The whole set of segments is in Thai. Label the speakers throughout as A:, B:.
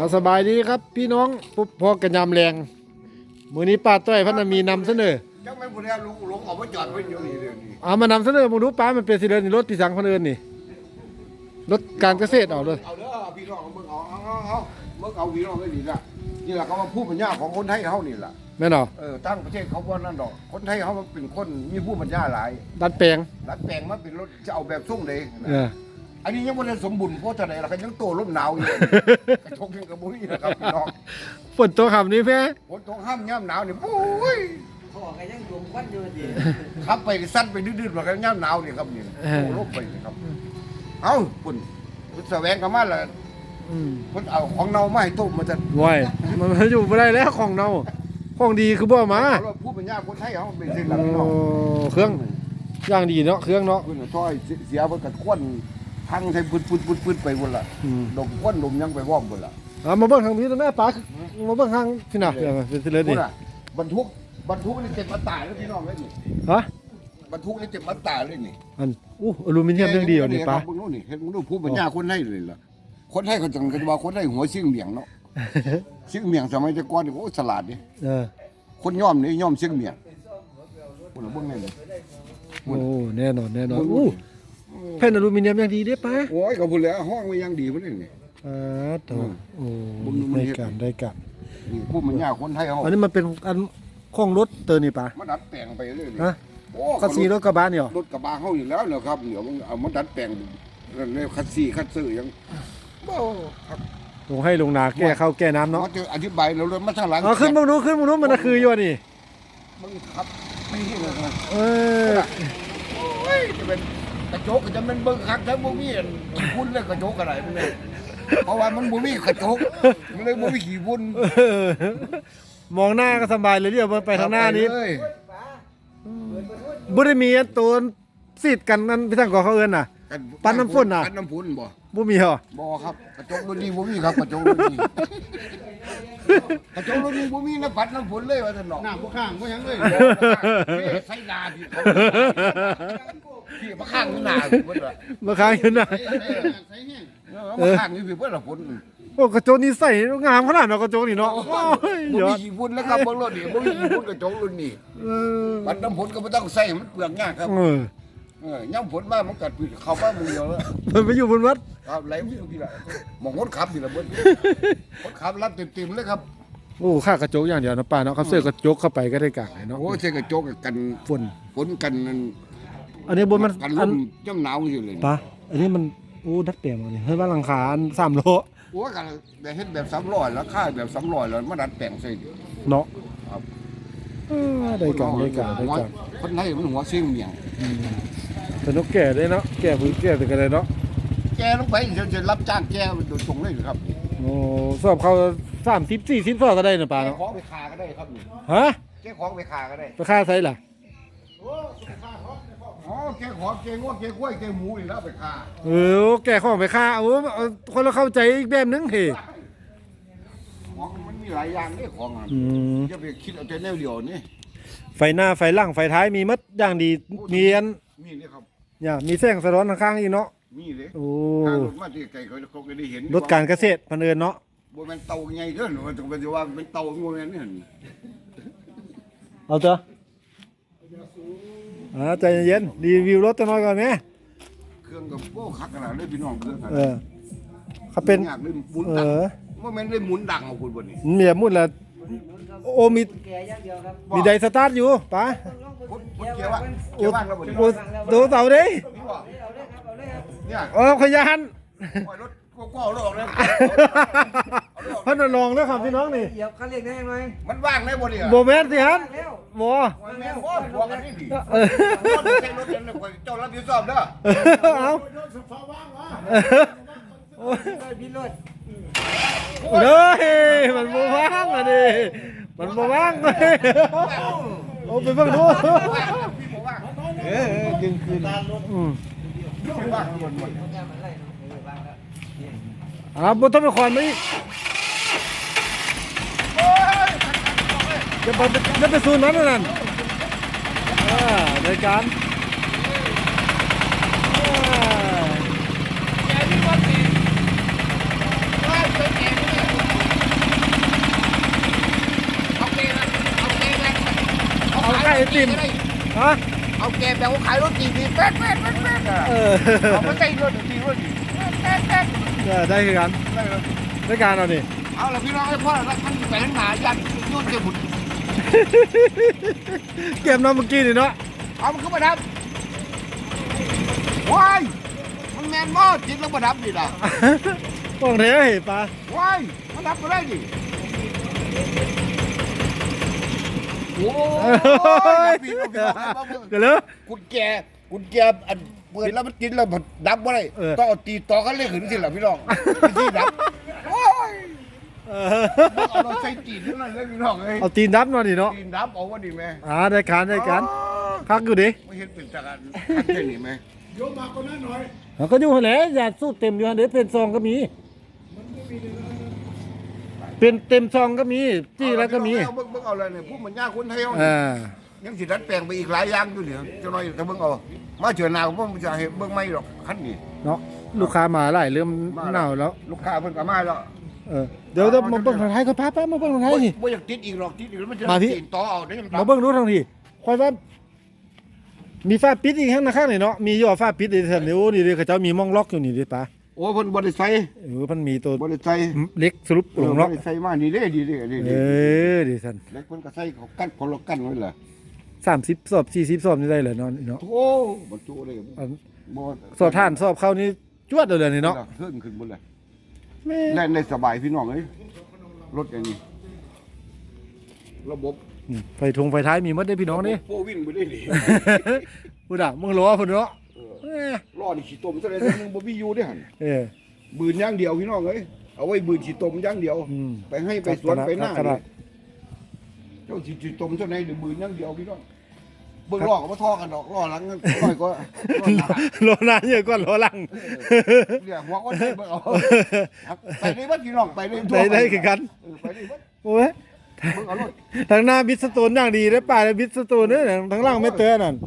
A: สบายดีครับพี่น้องปุ๊บพอกันยามแรงมื้อนี้ป้าต้อยพันมีนำเสนอ
B: จังไม่บุญแล้วลุงเอาไปจอดไว้อยู่นี่เดี๋ยวนี้
A: เอามานำเสนอมึงดูป้ามันเป็นสิเดินนี่รถที่สังคนอื่นนี่รถการเกษตรเอาเลย
B: เอาเด้อพี่น้องมึงเอาเมื่อเอาพี่น้องก็ดีละนี่แหละเขามาพูดปัญญาของคนไทยเขานี่แหละ
A: แม่นเหรอ
B: ตั้งประเทศเขาว่านั่นดอกคนไทยเขาเป็นคนมีผู้ปัญญาหลาย
A: ดัดแปลง
B: ดัดแปลงมาเป็นรถจะเอาแบบส่งเลย
A: เออ
B: อันนี้ยังไม่ได้สมบูรณ์เพราะจะไหนล่ะก็ยังโตร่มหนาวอยู่กระทงยังกระบุนี่นะครับพี่น้อง
A: ฝนตกคำนี้แพ้
B: ฝนตกห้ามย่ำหนาวนี่โอ้ย
C: เขาบอกกันยังดวงควันอยู่ดิ
B: ขับไปสั้นไปดื้อๆมากันย่ำหนาวนี่ครับนี่โตร่มไปนี่ครับเอ้าคุณแสวงกันมาแล้วคนเอาของเน่ามาให้ต้มมาจะ
A: ว้ยมันอยู่ไม่ได้แล้วของเน่าของดีคือบ่มา
B: ผู้เป็นญาคนไทยเขาเป็นสิ่งห
A: โอ้เครื่องย่างดีเนาะเครื่องเนาะ
B: คุณซอยเสียเพิ่นกระควนพังใส่ปืนไปหมดละดมควนดมยังไปว่อมหมดละ
A: มาเบิ่งทางนี้แม่ป้ามาเบิ่งทางที่น่ะเป็นสิเลยนี่
B: บรรทุกนี่เต็มมาตายแล้วพี่น้องเลยนี่
A: ฮะ
B: บรรทุกนี่เต็มมาตายเลยนี่
A: อันอลูมิเนียมเรื่องดีอ่ะนี่ป้า
B: มึงนู้นนี่เห็นมึงดูผู้เป็นญาคนไทยเลยล่ะคนไทยเขาจังกันว่าคนไทยหัวซิ่งเมียงเนาะซิ่งเมียงสมัยแต่ก่อนนี่โอ้ฉลาดดิคนย่อมนี่ย่อมซิ่งเมียงคุณเบิ่งแน่เลย
A: โอ้แน่นอนแผ่นอลูมิเนียมอย่างดีเด้ป้า
B: โอ้ยก็พูดแล้วห้องมันยังดีพุ่นนี่
A: โอ้ได้กัน
B: นี่ผู้มันยากคนไทยเฮา
A: อันนี้มันเป็นอันของรถเตอร์นี่ป้า
B: มันดัดแปลงไปเรื่อย
A: ฮะคัสซีรถกระบะเนี่ย
B: รถกระบะเฮาอยู่แล้วเหรอครับเดี๋ยวมันเอามาดัดแปลงนั่นเลยคัสซีคัสซื้อยังบ่ครับ
A: ลงให้ลงนาแก้เข้าแก้น้ำเนาะ
B: จะอธิบายเราเลยมาทางหลัง
A: ขึ้นมึงรู้มันคืออยู่นี่
B: มึงครับไม่ใช่เลยนะโอ้ยจะเป็นกระจกจะเป็นเบิ่งคักทั้งบ่มีคุณเลยกระจกอะไรมันเนี่ยเพราะว่ามันบ่มีกระจกมันเลยบ่มีขี้ฝุ่น
A: มองหน้าก็สบายเลยเดี๋ยวไปทางหน้านี้บ่ได้มีตัวซีดกันนั่นพี่ทางก่อเขาเอิ้นน่ะปั้นน้ำฝนน่ะ
B: ปั้นน้ำฝน
A: บ่มีเหรอ
B: บ่ครับกระจกรุ่นนี้บ่มีครับกระจกรุ่นนี้กระจกรุ่นนี้บ่มีนะปั้นน้ำฝนเลยว่าซั่นเนาะ
C: น้าบ่ข้างบ่หยังเลย
B: ใส่นาพี่มาข้างอยู่หน้าเพิ่นว่า
A: มาข้างอยู่หน้า
C: ใส่แห้ง
B: มาข้างอยู่พี่เพิ่นละฝน
A: โอ้กระจกนี่ใส่งามขนาดเนาะกระจกนี่เนาะ
B: บ่มีขี้ฝุ่นแล้วครับเบิ่งรถนี่บ่มีขี้ฝุ่นกระจกรุ่นนี้ปั้นน้ำฝนก็บ่ต้องใส่มันเปลืองยากครับย่ำฝนมามันกัดปีเข้าบ้านมึงเดียวแล้ว
A: มันไปอยู่บนวัด
B: ครับไหลไปอยู่พี่ละมองคนขับพี่ละเบิ้ลคนขับรับเต็มเลยครับ
A: โอ้ค่ากระจกอย่างเดียวนะป้าเนาะเขาเสื้อกระจกเข้าไปก็ได้กากเนาะ
B: โอ้เสื้อกระจกกันฝนกัน
A: อันนี้บนมัน
B: กันลมย่ำหนาวอยู่เลย
A: ป้าอันนี้มันโอ้ดัดแปลงเลยเฮ้ยว่าหลังคา3 โล
B: โอ้กันแบบเฮ็ดแบบ300แล้วค่าแบบ300แล้วมาดัดแปลงใส่
A: เนาะครับได้กัน
B: คนไทยมันหัวเสียงเมียง
A: แต่นกแก่ได้เนาะแก่พื้นแก่แต่กันเลยเนาะ
B: แกลงไปจะรับจ้างแกโดยตรงเลยครับ
A: โอ้สอบเขา30-40ฟอก็ได้นะป้าเนาะ
B: ของไปคาก็ได้ครับ
A: ฮะ
B: แกของไปคาก็ได้
A: ไปค่าไซล่ะ
B: อ๋อแกของแกงวแกกล้วยแกหมูนี่แล้วไปคา
A: แก่ของไปค่าโอ้คนเราเข้าใจอีกแบบนึงเฮ้
B: ของมันมีหลายอย่างนี่ของจะไปคิดเอาแต่แนวเดียวนี่
A: ไฟหน้าไฟหลังไฟท้ายมีมัดอย่างดีมีอัน
B: มีนี่ครับ
A: เนี่ยมีแสงสะท้อนข้างๆอีกเนาะ
B: มีเลย
A: โอ้
B: รถมาที่ไกลเขาก็ได้เห็น
A: รถการเกษตรพันเอิญเนาะ
B: โบแมนเตาไงเด้อมันต้องเป็นว่าเป็นเตาโบแมนนี่
A: เอาเถอะใจเย็นรีวิวรถตัวน้อยก่อนไหม
B: เครื่องกับโบ้คักขนาดเลยพี่น้องเครื่อง
A: เขาเป็น
B: โบแมนได้หมุนดังของคุณบนนี้
A: เมียมุ่นละโอมีไดสตาร์ทอยู่ป๋า
B: เกี่ยวว่างแล้วบนนี้
A: ดูเสาดิ
B: เนี่ย
A: ขยัน
B: รถก็เอาออกเลย
A: พันลองแล้วครับพี่น้องนี่
C: เดี๋ยวเขาเรียกได้ไหม
B: มันว่างได้บ่เนี่ย
A: โบแมนสิฮันโบ
B: แม่บ่กันนี่ดิใช้รถเจ้ารับผิดชอบเด้อ
A: เอา
C: พี่รถ
A: เด้ยมันโบว่างอ่ะดิมันโบว่างเลยโอ้ไปเบิ่งดู
B: กินคืน
A: บุตรเป็นคนไหมจะไปซูนนั้นนั่นในการติมฮะ
B: เอาแกแบบว่าขายรถจีบีแป๊ดแป๊ดแป๊ดแป๊ดอ่ะ
A: เออ
B: เอามาใส่รถจีรถจีแป๊ดแป๊ด
A: ได้คือกัน
B: ได้เลย
A: ได้การเอานี่
B: เอาละพี่น้องไอ้พ่อแล้วมันแฝงหายันยุ่นเจ็บบุญ
A: เก็บน้ำเมื่อกี้นี่เนาะ
B: เอามันขึ้นมาดับว้ายมันแมนมอดจิตแล้วมาดับดิล่ะ
A: ป้องเทเห็นปลา
B: ว้ายมาดับมาได้ดิโอ้ยพี่น้อง
A: กันเลย
B: กุญแจอันเปิดแล้วมันกินแล้วดับบ่ได้ต้องเอาตีต่อกันเลยขึ้นสิล่ะพี่น้องที่ดับโอ้ยเอาเราใส่ตีนนั่นเลยพี่น้องเอ้ย
A: เอาตีนดับมาดิเนาะ
B: ตีนดับเอาว่าดีไหม
A: ได้การคักอยู่ดิ
B: ไม่เห็นเป็นจากการแค่นี้ไหม
C: โยมมาคนนั้นหน่อย
A: เขาก็อยู่หั่นแหละอย่าสู้เต็มอยู่หั่นเด้เป็นซองก็มี เป็นเต็มซองก็มีจี้แล้วก็มี
B: เบิ่งเอาเลยเนี่ยพวกมันยากคนไทย
A: อ่า
B: ยังสิดัดแปลงไปอีกหลายอย่างอยู่เนี่ยจะน้อยแต่เบิ่งเอามาเจอหนาวผมจะเห็นเบิ่งไม่หรอกคันนี้
A: เนาะลูกค้ามาหลายเริ่มหนาวแล้ว
B: ลูกค้าเพิ่นก็มาแล้ว
A: เดี๋ยวมาเบิ่งทางไทยก็ป้ามาเบิ่งทางไทยนี่
B: บ่อยากติดอีกหรอกติดอีกแล้วมันจะ
A: มาพี่
B: ตีนต่อเอาได้ยัง
A: มาเบิ่งดูทางนี้ค่อยว่ามีฝ้าปิดอีกข้างหน้าข้างนี่เนาะมีย่อฝ้าปิดอีกแถบนี้โอ้นี่เด้เขาเจ้ามีม่องล็อกอยู่นี่เด้ป้า
B: โอ้เพิ่นบ่ได้ใส่
A: มันมีตัว
B: บ่ได้ใส่
A: เล็กสรุปลง
B: บ่
A: เนาะ
B: ได้ใส่มานี่เด้ดีเด้ดี
A: ดิท่าน
B: เล็กเพิ่นก็ใส่เขากั้นคนละกั้นไว้ล่ะ
A: 30สอบ40สอบนี่ได้เลยเนาะเนาะ
B: โอ้บ่จุเลยบ่
A: สอบท่านสอบเข้านี่จวดเลยนี่เนาะ
B: ขึ้นหมดเลย
A: แม่
B: แล่นได้สบายพี่น้องเอ้ยรถอย่างนี้ระบบ
A: ไฟทงไฟท้ายมีหมดได้พี่น้องนี่
B: โฟวิ่งไปได้ดิ
A: พุ่นอ่ะมึงรอพุ่นเนาะ
B: ล้อนี่ขี้ตมซะเลยนึงบ่มีอยู่เด้หั่น
A: เออ
B: บืนอย่างเดียวพี่น้องเอ้ยเอาไว้บืนขี้ตมอย่างเดียว ไปให้ไปสวนไปหน้านี่เจ้าขี้ตมเท่าไหนหรือบืนอย่างเดียวพี่น้องเบิ่งล้อก็บ่ทอกันดอกล้อหลังน้อยก็
A: รอนานเยอะกว่ารอหลัง
B: เนี่ยหัวก็ได้เบิ่งเอาไปได้บ่พี่น้องไปได้
A: ได้คือกัน
B: ไปได้บ่
A: โอ้ย
B: เบิ่งเอารถ
A: ทางหน้าบิสโตนอย่างดีได้ป่าเลยบิสโตนเนี่ยทางล่างไม่เตือนนั่น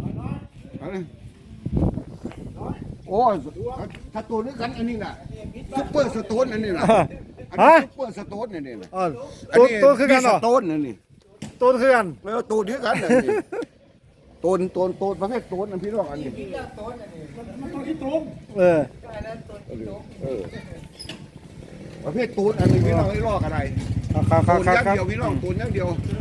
B: โอ้สโตนด้วยกันอันนี้น่ะซุปเปอร์สโตนอันนี้น่ะซุปเปอร์สโตนอันนี้น่ะ
A: อ๋อตัวคือกันเหรอ
B: สโตนอันนี้
A: ตัวคือกัน
B: แล้วโตนคือกันอันนี้โตนประเภทโตนอันพี่น้องอันนี้
C: มันตัวที่ตรง
A: เออ
B: ประเภทโตนอันนี้พี่น้องไอ้ลอกอะไร
A: ครับ
B: โตนอย่างเดียวพี่น้องโตนอย่างเดียว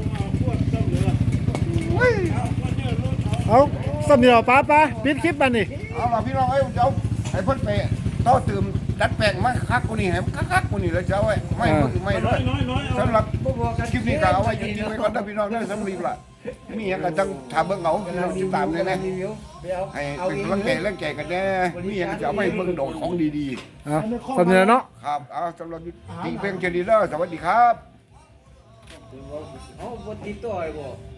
A: เอาสำเนียงป้าปิดคลิปมันนี่
B: เอาล่ะพี่น้องเอ้ยเจ้าไอ้เพิ่นไปต่อเติมดัดแปลงมาคักกว่านี้ให้คักกว่านี้แล้วเจ้าไอ้ไม่ด้วยสำหรับคลิปนี้ก็เอาไว้จริงๆไว้ก่อนนะพี่น้องเด้อสำหรับล่ะมีหยังก็ต้องถามเบิ่งเอาพี่น้องติดตามเลยนะให้เป็นกำลังใจเรื่องแก่กันแน่มีหยังก็จะเอาไว้เบิ่งโดดของดี
A: เอาสำเนียงเนาะ
B: ๆครับเอาสำหรับตีเพลงเจดีเด้อสวัสดีครับ
C: เอาบนติดตัวไอ้บ่